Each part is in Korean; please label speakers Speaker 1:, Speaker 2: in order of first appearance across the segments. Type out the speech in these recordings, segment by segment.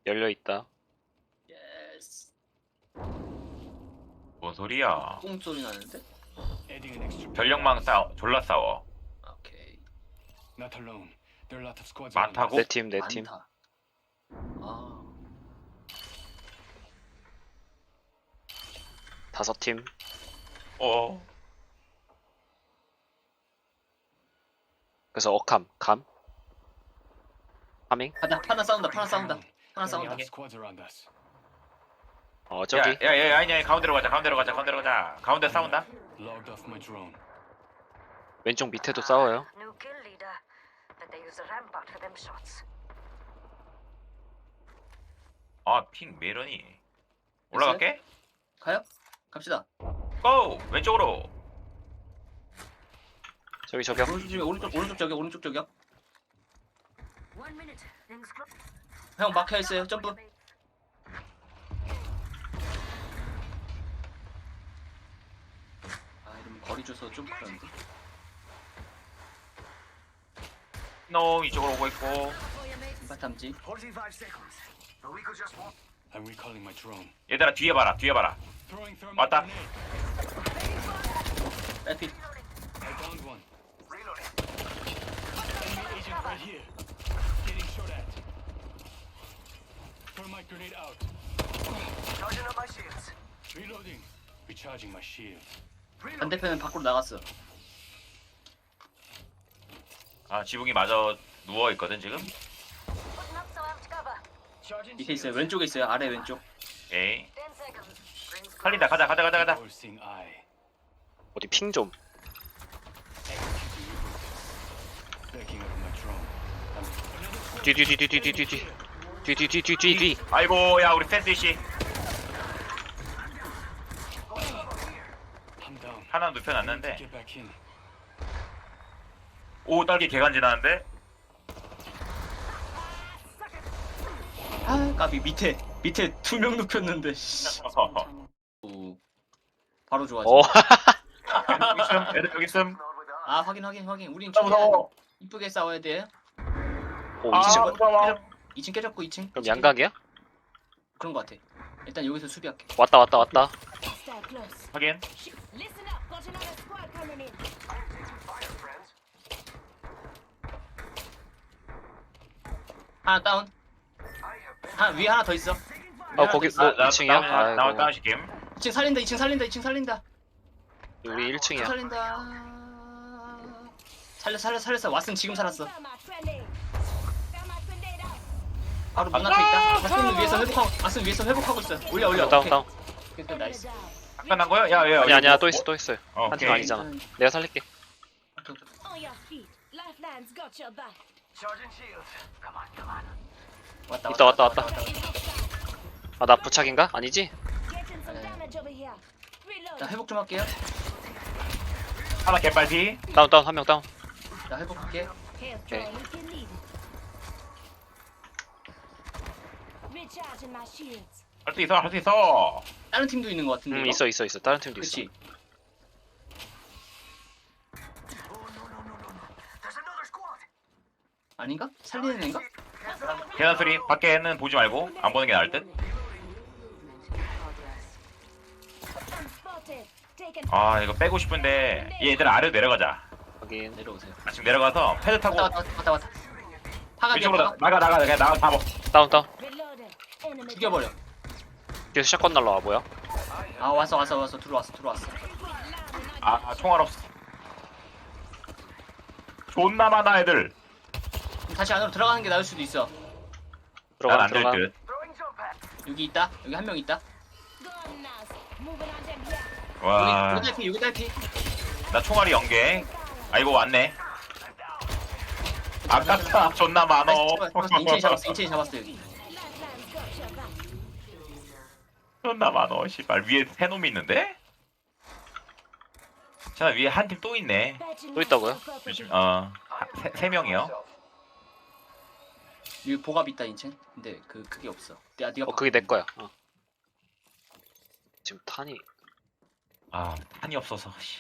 Speaker 1: 열려있다.
Speaker 2: 예스.
Speaker 3: 뭔 소리야?
Speaker 2: 꽁 소리 나는데?
Speaker 4: Adding an extra.
Speaker 3: 전력망 졸라 싸워.
Speaker 2: 오케이.
Speaker 4: Not alone. There are a lot of squads.
Speaker 3: 많다고?
Speaker 1: 내 팀, 내 팀.
Speaker 2: 많다. 아,
Speaker 1: 5팀.
Speaker 3: 어.
Speaker 1: 그래서 어캄, 감. 하밍?
Speaker 2: 하나 싸운다. 하나 싸운다. 하나 싸운다.
Speaker 4: Squads around us.
Speaker 1: 저기.
Speaker 3: 야, 아니야, 가운데로 가자. 가운데 싸운다.
Speaker 4: Logged off my drone.
Speaker 1: 왼쪽 밑에도 싸워요.
Speaker 5: New kill leader, but they use a rampart for them shots.
Speaker 3: 아, 핑 메런이. 올라갈게.
Speaker 2: 가요? 갑시다.
Speaker 3: 고! 왼쪽으로.
Speaker 1: 저기 저격.
Speaker 2: 오른쪽 저격, 오른쪽 저격.
Speaker 5: 1 minute. Rings close.
Speaker 2: 형 막혀 있어요. 점프. 아, 이러면 거리 줘서 좀 그런데.
Speaker 3: 놈 이쪽으로 오고 있고.
Speaker 2: 바탐지.
Speaker 6: 45 seconds. But we could just walk.
Speaker 4: I'm recalling my drone.
Speaker 3: 얘들아 뒤에 봐라.
Speaker 4: Throwing thermite
Speaker 3: 왔다.
Speaker 4: grenade.
Speaker 2: 에피.
Speaker 4: I downed one.
Speaker 6: Reloading.
Speaker 4: Enemy agent right here. Getting shot at. Thermite grenade out.
Speaker 6: Charging up my shields.
Speaker 4: Reloading. Recharging my shield.
Speaker 2: 반대편은 밖으로 나갔어.
Speaker 3: 아, 지붕이 마저 누워 있거든 지금.
Speaker 5: Putting up some amped cover.
Speaker 6: Charging
Speaker 2: 밑에 있어요.
Speaker 6: shields.
Speaker 2: 왼쪽에 있어요. 아래 왼쪽.
Speaker 3: 오케이.
Speaker 5: 10 seconds. Rings close.
Speaker 3: 살린다. 가자.
Speaker 4: All-seeing eye.
Speaker 1: 어디 핑 좀.
Speaker 4: Backing up my drone.
Speaker 1: 뒤.
Speaker 3: 아이고, 야 우리 샌드위치
Speaker 4: I'm down.
Speaker 3: 하나 눕혀놨는데.
Speaker 4: Get back in.
Speaker 3: 오, 딸기 개간지나는데.
Speaker 2: 아, 까비 밑에 2명 눕혔는데. 씨. 오, 바로 좋아지.
Speaker 3: 애들 여기 있음.
Speaker 6: Not with us.
Speaker 2: 아, 확인. 우린
Speaker 3: 무서워.
Speaker 2: 이쁘게 싸워야 돼.
Speaker 1: 오,
Speaker 3: 아,
Speaker 1: 2층.
Speaker 3: 무서워.
Speaker 2: 2층 깨졌고 2층.
Speaker 1: 그럼 양각이야?
Speaker 2: 그런 거 같아. 일단 여기서 수비할게.
Speaker 1: 왔다.
Speaker 5: Stay close.
Speaker 3: 확인.
Speaker 5: Listen up. Got another squad coming in.
Speaker 6: Fire, friends.
Speaker 2: 하나 다운. 위에 하나 더 있어.
Speaker 1: 거기 뭐 2층이야?
Speaker 3: 나와
Speaker 1: 아이고.
Speaker 3: 다운시 게임.
Speaker 2: 2층 살린다.
Speaker 1: 우리 1층이야.
Speaker 2: 살린다. 살렸어. 왓슨 지금 살았어.
Speaker 5: Thermite grenade. Thermite grenade out.
Speaker 2: 바로 문 앞에 있다. 왓슨 위에서 회복하고 있어. 올려.
Speaker 1: 다운.
Speaker 2: 오케이, 나이스.
Speaker 3: 끝난 거야? 야.
Speaker 1: 아니야. 또 있어요. 한 팀
Speaker 3: 오케이.
Speaker 1: 아니잖아. 내가 살릴게.
Speaker 5: On your feet. Lifeline's got your back.
Speaker 6: Charging shields. Come on.
Speaker 1: 왔다. 아, 나 부착인가? 아니지?
Speaker 5: Getting some damage over here.
Speaker 2: 자,
Speaker 5: Reload.
Speaker 2: 회복 좀 할게요.
Speaker 3: 하나 개빨피.
Speaker 1: 다운. 한 명 다운.
Speaker 2: 나 회복할게.
Speaker 5: Here's
Speaker 1: Okay.
Speaker 5: drawing if you need it. Recharging my shields.
Speaker 3: 할 수 있어.
Speaker 2: 다른 팀도 있는 것 같은데. 이거?
Speaker 1: 있어. 다른 팀도 있어.
Speaker 2: 그치.
Speaker 6: There's another squad.
Speaker 2: 아닌가? 살리는 애인가?
Speaker 3: 계단 소리 밖에는 보지 말고 안 보는 게 나을 듯.
Speaker 5: Spotted. Taken.
Speaker 3: 아, 이거 빼고 싶은데 얘들 아래로 내려가자.
Speaker 1: 확인.
Speaker 2: 내려오세요.
Speaker 3: 지금 내려가서 패드 타고
Speaker 2: 왔다. 파가
Speaker 3: 이쪽으로
Speaker 2: 파가.
Speaker 3: 나가 그냥 나가 다 먹.
Speaker 1: 다운.
Speaker 5: Reloaded. Enemy.
Speaker 2: 죽여버려.
Speaker 1: 뒤에서 샷건 날라와 뭐야?
Speaker 2: 아, 왔어. 들어왔어.
Speaker 3: 아, 총알 없어. 존나 많아 애들.
Speaker 2: 그럼 다시 안으로 들어가는 게 나을 수도 있어.
Speaker 1: 들어가.
Speaker 3: 난안될 듯.
Speaker 6: Throwing jump pad.
Speaker 2: 여기 있다. 여기 한 명 있다.
Speaker 5: Gone now. Moving on them here.
Speaker 3: 와,
Speaker 2: 여기 딸피.
Speaker 3: 나 총알이 0개. 아이고 왔네. 아깝다. 존나 많어.
Speaker 2: 인체인 잡았어 여기.
Speaker 5: Lifeline's got your back.
Speaker 3: 존나 많어. 씨발 위에 세 놈이 있는데? 자, 위에 한 팀 또 있네.
Speaker 1: 또 있다고요?
Speaker 3: 조심. 세 명이요.
Speaker 2: 여기 보갑 있다 인체. 근데 그게 없어. 네가
Speaker 1: 그게 내 거야. 지금 탄이
Speaker 3: 아, 탄이 없어서. 씨.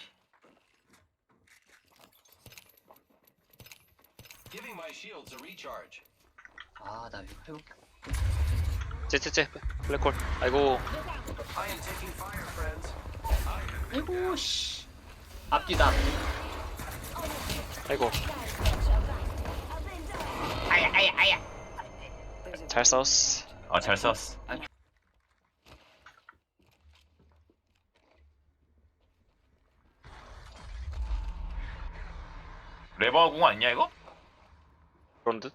Speaker 7: Giving my shields a recharge.
Speaker 2: 아, 나 이거 해볼게.
Speaker 1: 쟤 블랙홀. 아이고
Speaker 6: I am taking fire, friends.
Speaker 2: 아이고 씨. 앞뒤다.
Speaker 1: 아이고 잘 싸웠어.
Speaker 3: 잘 썼어. 레버 공 아니냐 이거?
Speaker 1: 그런 듯.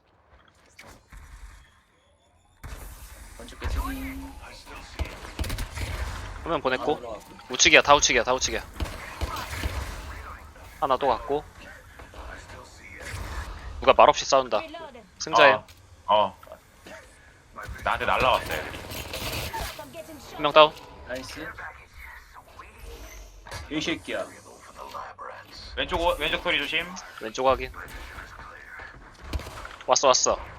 Speaker 2: 먼저 깨지.
Speaker 1: 한 명 보냈고 우측이야 다 우측이야 다 우측이야. 하나 또 갔고 누가 말없이 싸운다.
Speaker 5: Reloading.
Speaker 1: 승자예요.
Speaker 3: 나한테 날라왔어 애들이.
Speaker 5: I'm getting shot.
Speaker 1: 한 명 다운.
Speaker 2: 나이스. 이 새끼야.
Speaker 3: 왼쪽 소리 조심.
Speaker 1: 왼쪽 확인. 왔어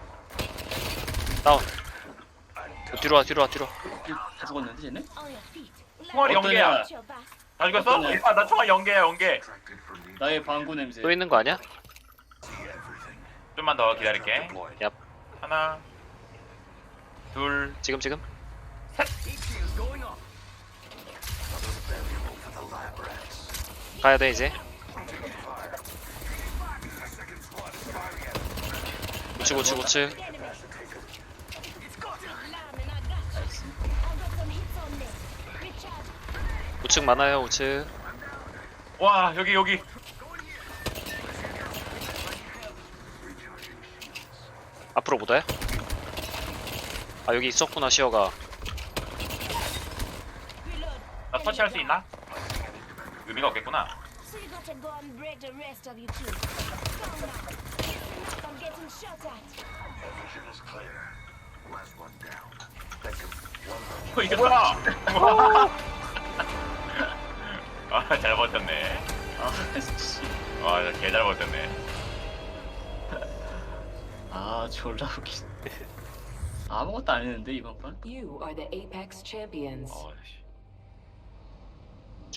Speaker 1: 다운. 뒤로 와
Speaker 2: 다 죽었는데 쟤네?
Speaker 5: On your feet.
Speaker 3: 총알이
Speaker 2: 어떤
Speaker 3: 연계야.
Speaker 2: 애야?
Speaker 5: Watch your back.
Speaker 3: 다 죽였어?
Speaker 2: 어떤 애?
Speaker 3: 나 총알 연계.
Speaker 2: 나의 방구 냄새.
Speaker 1: 또 있는 거 아니야?
Speaker 3: 좀만 더 기다릴게.
Speaker 1: 얍.
Speaker 3: 하나, 둘,
Speaker 1: 지금 가야 돼 이제. 우측.
Speaker 5: Enemy. Lineman, I got you. I got some hits on this. Recharge.
Speaker 1: 우측 많아요 우측.
Speaker 3: 와 여기.
Speaker 1: 앞으로 못 와요? 아 여기 있었구나 시어가.
Speaker 5: Reload.
Speaker 3: 나 터치할 수 있나? 의미가 없겠구나.
Speaker 5: So you gotta go and break the rest of you too. Come now. I'm getting shot at.
Speaker 2: 이게
Speaker 3: 뭐야? 잘 버텼네.
Speaker 2: 씨.
Speaker 3: 개잘 버텼네.
Speaker 2: 졸라 웃기. 아무것도 안 했는데 이번 판?
Speaker 7: You are the Apex champions.
Speaker 3: 씨.